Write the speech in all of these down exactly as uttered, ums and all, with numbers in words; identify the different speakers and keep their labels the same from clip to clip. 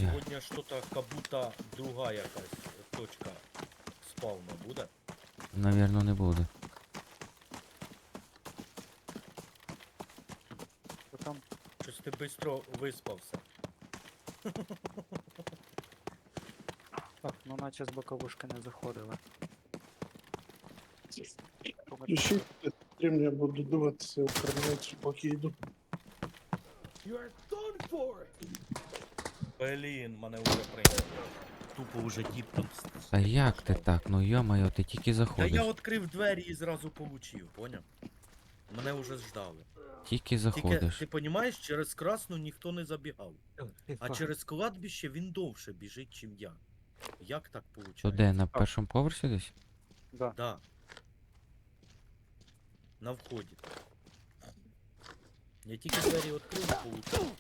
Speaker 1: друзі.
Speaker 2: Сьогодні що-то как будто друга якась точка спавна буде.
Speaker 1: Навірно, не буде.
Speaker 3: Що там?
Speaker 2: Щось ти швидко виспався.
Speaker 3: Так, ну наче з боковушки не заходили.
Speaker 4: Ще стрім я буду дивитися в крамниці, поки йду.
Speaker 2: Блін, мене вже прийняли. Тупо вже діп там. с-
Speaker 1: Та як ти так? Ну йо-моє, ти тільки
Speaker 2: Та я
Speaker 1: заходиш.
Speaker 2: відкрив двері і зразу получив, поняв? Мене вже ждали.
Speaker 1: Тільки
Speaker 2: Тільки,
Speaker 1: заходиш.
Speaker 2: ти розумієш, через красну ніхто не забігав. А
Speaker 3: Тихо.
Speaker 2: через кладбище він довше біжить, чим я. Як так виходить?
Speaker 1: То де, на першому поверсі десь?
Speaker 3: Да.
Speaker 2: Да. На вході. Я тільки двері відкрив і получив.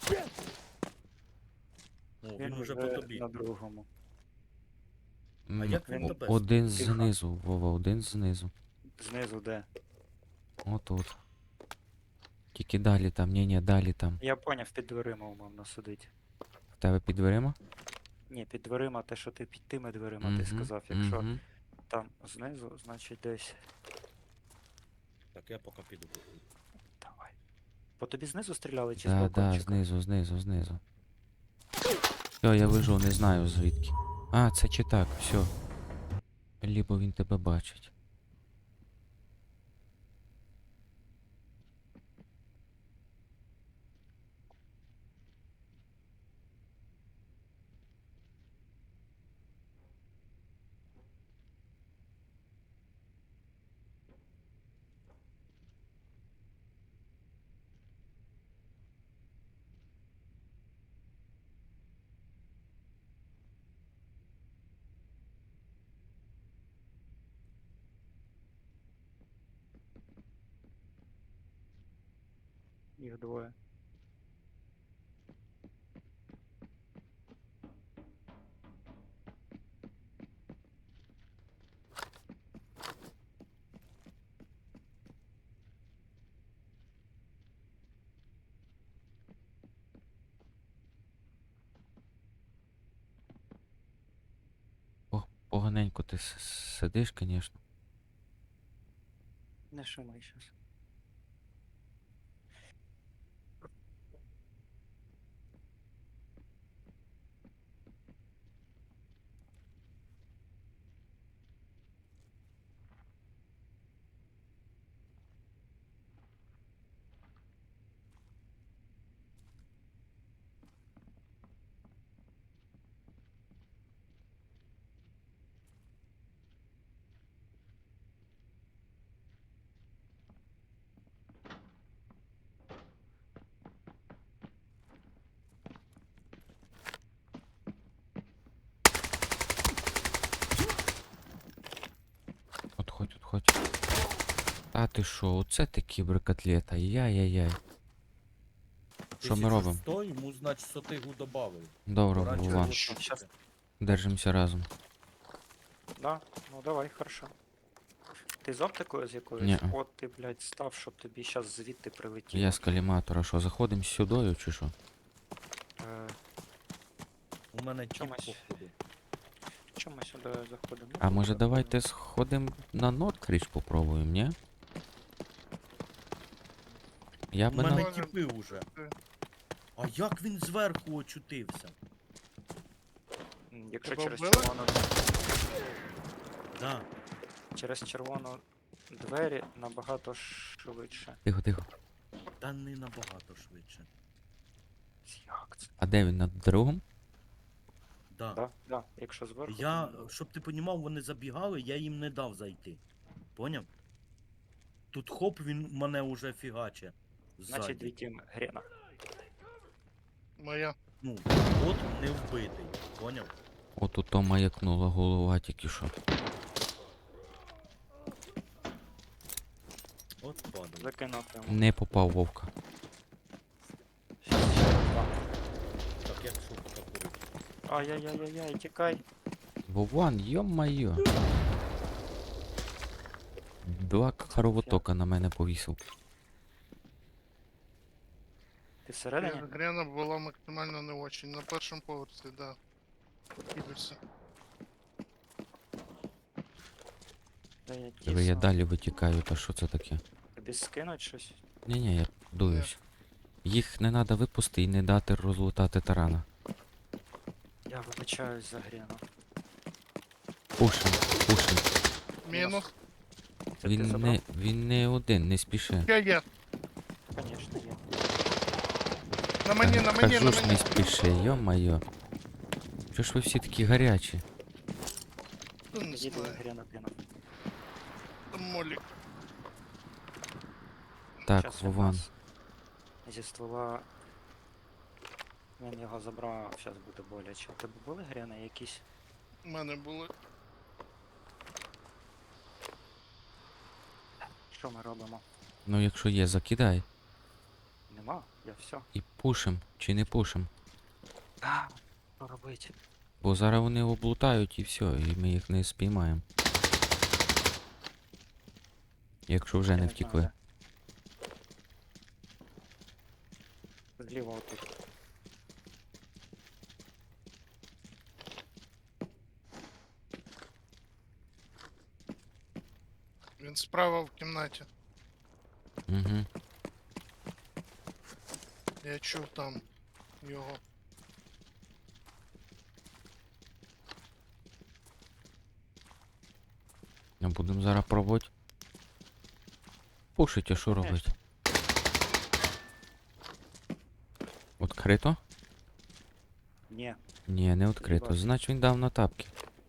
Speaker 2: О, він,
Speaker 3: Він
Speaker 2: уже
Speaker 3: вже
Speaker 2: по тобі.
Speaker 3: на другому.
Speaker 1: М,
Speaker 2: як він
Speaker 1: о-
Speaker 2: тебе
Speaker 1: Один
Speaker 3: Тихо.
Speaker 1: знизу, Вова, один знизу.
Speaker 3: Знизу де?
Speaker 1: Отут. Тільки далі там, ні-ні, далі там.
Speaker 3: Я поняв, під дверима умовно сидить.
Speaker 1: В тебе під дверима?
Speaker 3: Ні, під дверима, те, що ти під тими дверима, ти
Speaker 1: Мгм,
Speaker 3: сказав, якщо
Speaker 1: мгм.
Speaker 3: там знизу, значить десь.
Speaker 2: Так, я поки піду.
Speaker 3: Давай. По тобі знизу стріляли чи з
Speaker 1: Да, да,
Speaker 3: балкончика?
Speaker 1: знизу, знизу, знизу. Все, я вижу, не знаю звідки. А, це чи так, все. Лібо він тебе бачить.
Speaker 3: Їх двоє.
Speaker 1: По- Поганенько ти с- сидиш, звісно.
Speaker 3: Не шумай щас.
Speaker 1: Отходь, отходь. А ти що, оце ти кіберкотлета, яй-яй-яй. Що ми робимо?
Speaker 2: сто, йому, значить, сотигу добавив.
Speaker 1: Добре,
Speaker 2: Раніше
Speaker 1: Вова,
Speaker 2: було
Speaker 3: Щас.
Speaker 2: сотка.
Speaker 1: держимося разом.
Speaker 3: Да? Ну давай, хорошо. Ти з оптикою з якоюсь?
Speaker 1: Ні.
Speaker 3: От ти, блядь, став, щоб тобі щас звідти прилетіло.
Speaker 1: Я з каліматора, що, заходимо сюдою чи що?
Speaker 3: Е,
Speaker 2: У мене чіп
Speaker 3: Чомусь.
Speaker 2: походу.
Speaker 3: Чому ми сюди заходимо? Ну,
Speaker 1: А може
Speaker 3: добре.
Speaker 1: давайте сходимо на Нордкріч попробуємо, ні? Я
Speaker 2: У
Speaker 1: би
Speaker 2: мене
Speaker 1: на...
Speaker 2: тіпи уже. А як він зверху очутився?
Speaker 3: М, Якщо
Speaker 4: Тебе
Speaker 3: через
Speaker 4: вбили?
Speaker 3: червону,
Speaker 2: Да.
Speaker 3: через червону двері набагато швидше.
Speaker 1: Тихо, тихо.
Speaker 2: Та не набагато швидше.
Speaker 3: Як це?
Speaker 1: А де він, на другому?
Speaker 2: Да.
Speaker 3: Да, да, якщо зверху.
Speaker 2: Я,
Speaker 3: то ні.
Speaker 2: щоб ти понімав, вони забігали, я їм не дав зайти. Поняв? Тут хоп, він мене уже фігаче.
Speaker 3: Значить,
Speaker 2: Ззаді.
Speaker 3: дві тіми. Грена.
Speaker 4: Моя.
Speaker 2: Ну, от не вбитий. Поняв?
Speaker 1: От у то маякнула голова тільки що.
Speaker 2: От падає.
Speaker 3: Закинув йому.
Speaker 1: Не попав вовка.
Speaker 3: Щас ще раз дам.
Speaker 2: Так, як шутка курить.
Speaker 3: Ай-яй-яй-яй, тікай.
Speaker 1: Вован, йо-майо. Два кровотока на мене повісив.
Speaker 3: Ти Ти всередині?
Speaker 4: Грена- Грена була максимально не очень. На першому поверсі, да. Кидався.
Speaker 3: Та я
Speaker 1: Диви, я
Speaker 3: тісно.
Speaker 1: далі витікаю, та що це таке?
Speaker 3: Тобі скинуть щось?
Speaker 1: Ні-ні, я дуюсь. Їх не треба випусти і не дати розлутати тарана.
Speaker 3: Я вибачаюсь за Грену.
Speaker 1: Пушим, пушим.
Speaker 4: Мінус.
Speaker 3: Це ти
Speaker 1: Він
Speaker 3: забрав?
Speaker 1: не, він не один, не спіши.
Speaker 4: Я є.
Speaker 3: Конечно, є.
Speaker 4: На мені,
Speaker 1: Та
Speaker 4: на мені,
Speaker 1: кажу
Speaker 4: на
Speaker 1: ж, не
Speaker 4: мені.
Speaker 1: спіши, йо-моє. Чого ж ви всі такі гарячі?
Speaker 4: Ну, не
Speaker 3: Їде
Speaker 4: знаю.
Speaker 3: Грена піна.
Speaker 4: Там молік.
Speaker 1: Так,
Speaker 3: Щас він
Speaker 1: Вован.
Speaker 3: нас зі ствола. Він його забрав, зараз буде боляче. У тебе були Грени якісь?
Speaker 4: У мене були.
Speaker 3: Що ми робимо?
Speaker 1: Ну якщо є, закидай.
Speaker 3: Нема? Я все.
Speaker 1: І пушим, чи не пушим.
Speaker 3: А, що робити?
Speaker 1: Бо зараз вони облутають і все, і ми їх не спіймаємо. Якщо вже
Speaker 3: Я
Speaker 1: не
Speaker 3: знаю,
Speaker 1: втекли.
Speaker 3: де. Зліва отут.
Speaker 4: Він справа в кімнаті.
Speaker 1: Угу.
Speaker 4: Я чув там його.
Speaker 1: А будемо зараз пробувати. Пушить, а що робити? Открито?
Speaker 3: Ні.
Speaker 1: Ні, не відкрито.
Speaker 3: бачу.
Speaker 1: Значить він дав на тапки.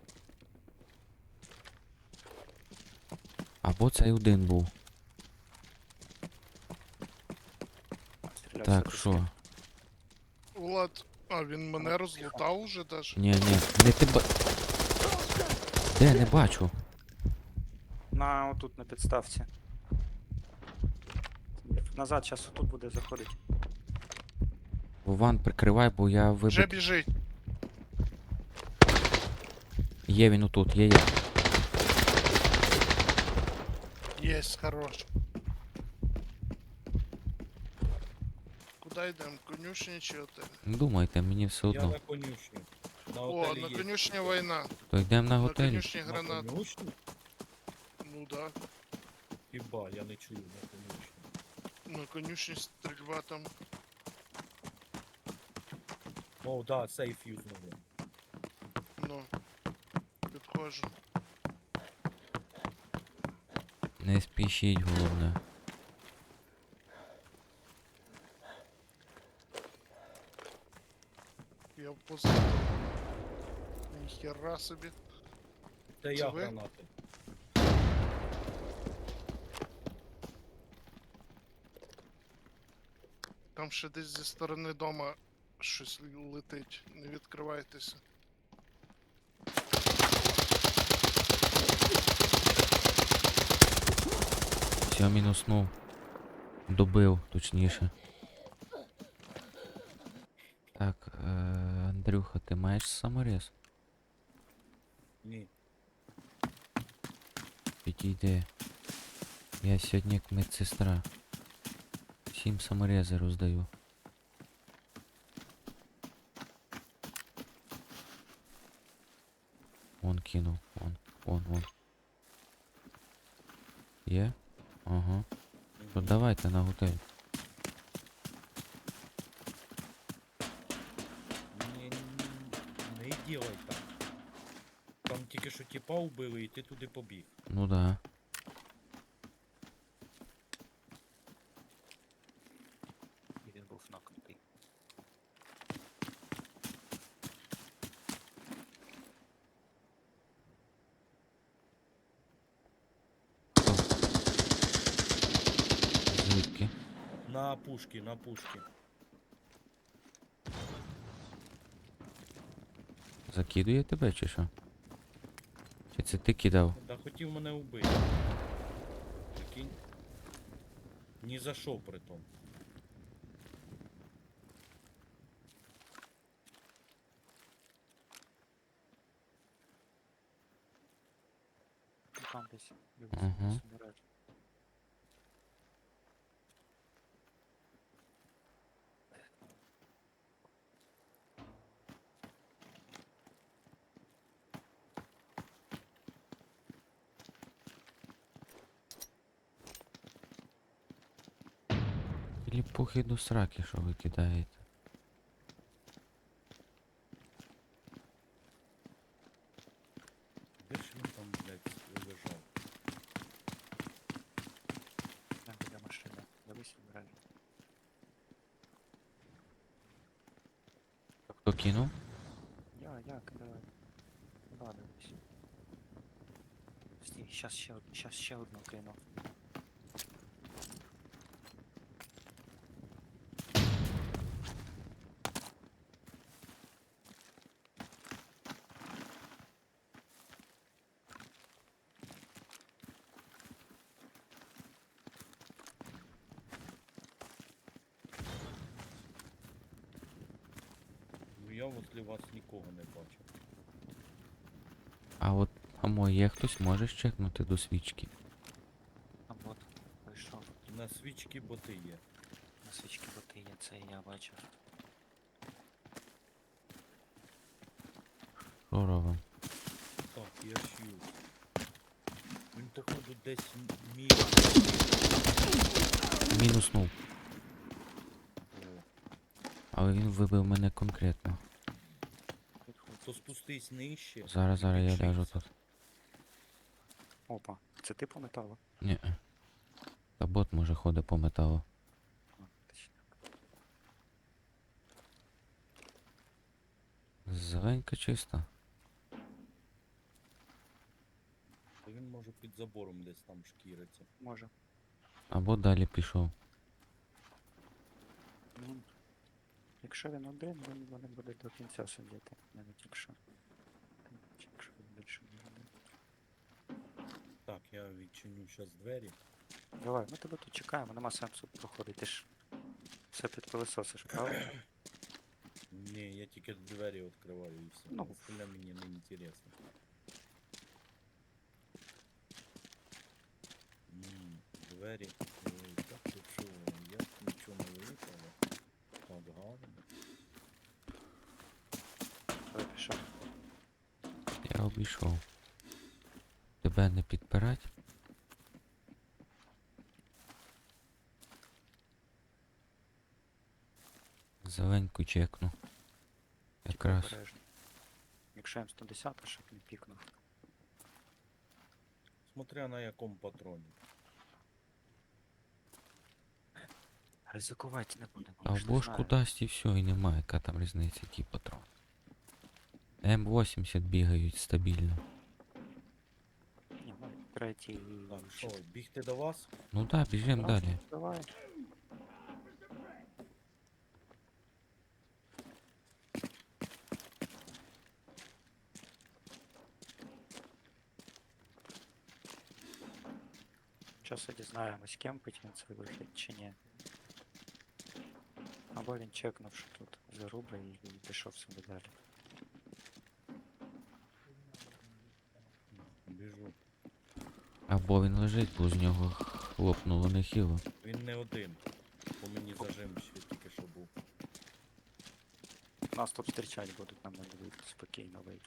Speaker 1: Або цей один був.
Speaker 3: Стрілявся
Speaker 1: Так,
Speaker 3: ти з
Speaker 1: що?
Speaker 3: ким?
Speaker 4: Влад, а він мене розлутав уже даже.
Speaker 1: Ні, ні, не ти ба... Де, не бачу.
Speaker 3: На отут на підставці. Назад, зараз отут буде заходити.
Speaker 1: Вован, прикривай, бо я
Speaker 4: Вже
Speaker 1: вибив.
Speaker 4: біжить.
Speaker 1: Є він отут, є, є.
Speaker 4: Єсть, хорош. Куди йдемо? Конюшні чи отель?
Speaker 1: Думайте, мені все
Speaker 5: Я
Speaker 1: одно.
Speaker 5: на конюшню. На
Speaker 4: О,
Speaker 5: готелі
Speaker 4: на
Speaker 5: є.
Speaker 4: конюшні війна.
Speaker 1: То йдемо на
Speaker 4: На
Speaker 1: готелі.
Speaker 4: конюшні
Speaker 5: На
Speaker 4: гранат.
Speaker 5: конюшню?
Speaker 4: Ну да.
Speaker 5: Хіба, я не чую на конюшню.
Speaker 4: На конюшні стрільба там.
Speaker 5: О, да, сейф юзнули.
Speaker 4: Ну. Підходжу.
Speaker 1: Не спішіть, головне.
Speaker 4: Я в позаду. Ніхера собі.
Speaker 5: Це
Speaker 4: Це
Speaker 5: я
Speaker 4: ви?
Speaker 5: гранати.
Speaker 4: Там ще десь зі сторони дома щось летить. Не відкривайтеся.
Speaker 1: Все, мінуснув. Добив, точніше. Так, е, Андрюха, ти маєш саморез?
Speaker 5: Ні.
Speaker 1: Підійди. Я сьогодні як медсестра. Всім саморези роздаю. Вон кинув, вон, вон, вон. Є? Ага. То давайте на готель.
Speaker 5: Ні, не ділай так. Там тільки що тіпа вбили і ти туди побіг.
Speaker 1: Ну да.
Speaker 3: І він був нокнутий.
Speaker 1: Звідки?
Speaker 5: На пушки, на пушки.
Speaker 1: Закидує тебе чи що? Чи це ти кидав?
Speaker 5: Да хотів мене вбити. Прикинь. Ні за що при тому.
Speaker 3: Ну, там десь.
Speaker 1: Ага. Ліпухи до сраки, що ви кидаєте.
Speaker 5: Де ж він там, блядь, лежав?
Speaker 3: Не буде машина. Дивись обережно.
Speaker 1: Хто кинув?
Speaker 3: Я, я кидаю. Да, дивись. Стій, щас ще, од- щас ще одну кину.
Speaker 5: Ну я возле вас нікого не бачив.
Speaker 1: А от, амо, є хтось, можеш чекнути до свічки.
Speaker 3: А от, вийшов.
Speaker 5: На свічки боти є.
Speaker 3: На свічки боти є, це і я бачив.
Speaker 1: Що робимо?
Speaker 5: Так, я шью. Він походу десь м- мій.
Speaker 1: Мінуснув.
Speaker 5: О,
Speaker 1: Але він вибив мене конкретно.
Speaker 3: Підходь.
Speaker 5: то спустись нижче.
Speaker 1: Зараз,
Speaker 5: і
Speaker 1: зараз я
Speaker 5: підшийся.
Speaker 1: ляжу тут.
Speaker 3: Опа, це ти по металу?
Speaker 1: Ні. Та бот може ходить по металу.
Speaker 3: А, точно.
Speaker 1: Зеленька чиста.
Speaker 5: Та він може під забором десь там шкіриться.
Speaker 3: Може.
Speaker 1: Або далі пішов.
Speaker 3: Ну, якщо він один, він вони будуть до кінця сидіти, навіть якщо. Якщо він більше не один.
Speaker 5: Так, я відчиню зараз двері.
Speaker 3: Давай, ми тебе тут чекаємо, нема сенсу проходити, ти ж все під пилососиш, правда?
Speaker 5: Ні, я тільки двері відкриваю і все.
Speaker 3: Ну.
Speaker 5: Остальне мені не інтересно. М, Двері. Ой, так ти що, я нічого не випало. Так гарно.
Speaker 3: Давай пішов.
Speaker 1: Я обійшов. Тебе не підпирать? Зеленьку чекну.
Speaker 3: Тільки
Speaker 1: Якраз.
Speaker 3: обережно. Якщо М сто десять, щоб не пікнув.
Speaker 5: Смотря на якому патроні.
Speaker 3: Ризикувати не будемо.
Speaker 1: А
Speaker 3: я
Speaker 1: в
Speaker 3: ж не
Speaker 1: бошку
Speaker 3: знаю.
Speaker 1: дасть і все, і немає, яка там різниця, який патрон. М вісімдесят бігають стабільно.
Speaker 3: Ні, ну, третій.
Speaker 5: Так, що, бігти до вас?
Speaker 1: Ну да, біжимо
Speaker 3: Да,
Speaker 1: далі.
Speaker 3: Давай. Зараз дізнаємось, кемпить він цей вихід чи ні. Або він чекнув, що тут заруба і, і пішов собі далі.
Speaker 5: Біжу.
Speaker 1: Або він лежить, бо з нього хлопнуло нехило.
Speaker 5: Він не один. По мені зажим ще тільки що був.
Speaker 3: Нас тут зустрічати будуть, нам не будуть спокійно вийти.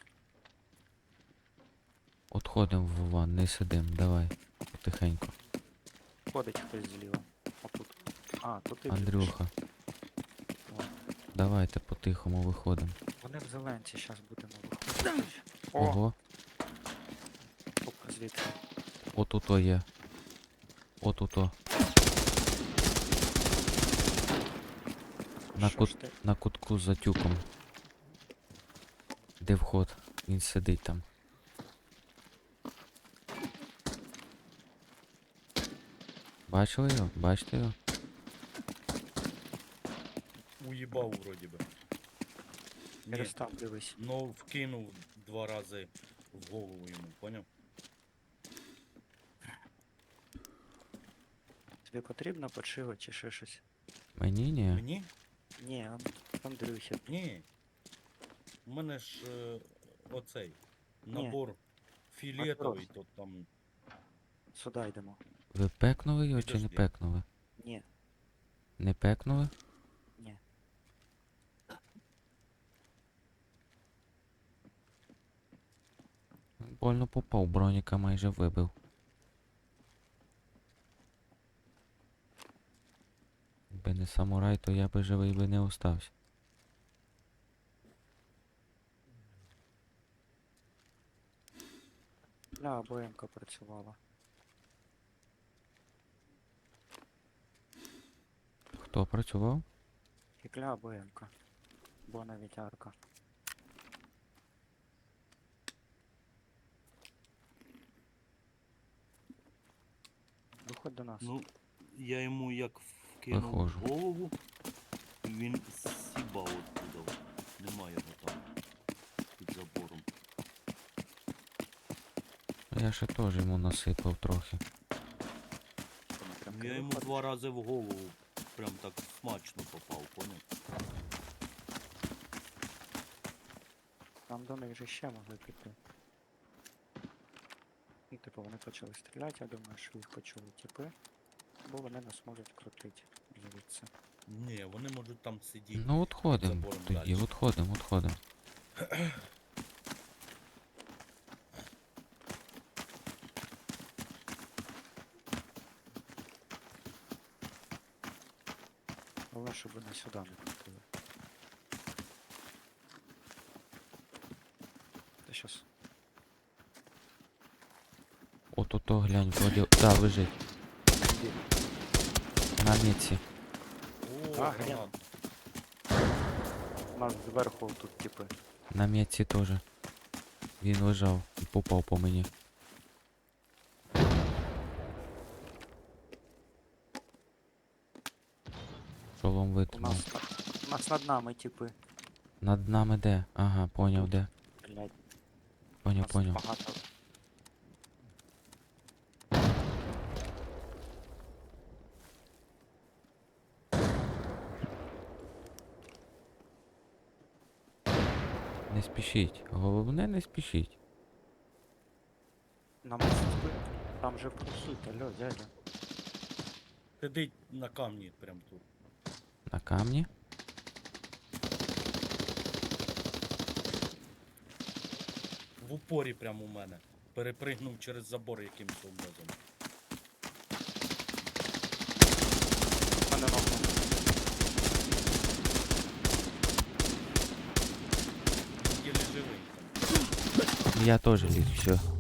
Speaker 1: Отходимо в ван, не сидим, давай. Потихеньку.
Speaker 3: Ходить хтось зліва. Отут. А, тут і біжиш.
Speaker 1: Андрюха,
Speaker 3: О,
Speaker 1: давайте по-тихому виходимо.
Speaker 3: вони в зеленці, зараз будемо виходити. О,
Speaker 1: Ого,
Speaker 3: оп, звідки?
Speaker 1: отуто є. Отуто. На
Speaker 3: Що
Speaker 1: кут-
Speaker 3: ж ти?
Speaker 1: На кутку за тюком. Де вход? Він сидить там. Бачили його? Бачите його?
Speaker 5: Уїбав вроді би. Ні,
Speaker 3: Перестав, дивись.
Speaker 5: ну вкинув два рази в голову йому, поняв?
Speaker 3: Тобі потрібно подшива чи ще щось?
Speaker 1: Мені ні.
Speaker 5: Мені?
Speaker 3: Ні, Ан- Андрюхі.
Speaker 5: Ні. У мене ж е, оцей набор фіолетовий, то там.
Speaker 3: Сюди йдемо.
Speaker 1: Ви пекнули його чи не
Speaker 5: Підожди.
Speaker 1: пекнули?
Speaker 3: Ні,
Speaker 1: Не пекнули?
Speaker 3: ні.
Speaker 1: Больно попав, броніка майже вибив. Якби не не самурай, то я би живий би не остався.
Speaker 3: Бля, АБМ-ка працювала.
Speaker 1: Хто працював?
Speaker 3: Фікля АБМ-ка. Бо навіть арка. Виходь до нас.
Speaker 2: Ну, я йому як вкинув
Speaker 1: Виходжу.
Speaker 2: в голову, він сібав оттуда. Немає його там під забором.
Speaker 1: Я ще теж йому насипав трохи.
Speaker 3: Що, ми прям
Speaker 2: Ну, я йому
Speaker 3: виходиш?
Speaker 2: два рази в голову прям так смачно попав, поняв?
Speaker 3: Там до них же ще могли піти. І типу вони почали стріляти, я думаю, що їх почули типи. Бо вони нас можуть крутити звідси.
Speaker 5: Ні, вони можуть там сидіти.
Speaker 1: Ну отходим.
Speaker 5: забором
Speaker 1: Тоді
Speaker 5: дальше.
Speaker 1: отходим, отходим.
Speaker 3: Головне, щоб вони сюди не крутили. Та щас.
Speaker 1: От ото глянь, вроді. Да, лежить. На міці.
Speaker 5: О,
Speaker 3: А,
Speaker 5: гранат.
Speaker 3: У нас зверху тут типи.
Speaker 1: На міці теж. Він лежав і попав по мені. Шолом
Speaker 3: У
Speaker 1: витримав.
Speaker 3: нас, у нас над нами типи.
Speaker 1: Над нами де? Ага, поняв де.
Speaker 3: Блять, у
Speaker 1: Поняв,
Speaker 3: нас
Speaker 1: поняв.
Speaker 3: багато.
Speaker 1: Не спішіть. Головне не спішіть.
Speaker 3: Нам типи. Там же прохід, алло, дядя.
Speaker 5: Сидить на камні прям тут.
Speaker 1: На камні.
Speaker 5: В упорі прямо у мене. Перепригнув через забор якимось образом.
Speaker 3: Мене ногу.
Speaker 5: Він єлі живий там.
Speaker 1: Я теж ліг, все.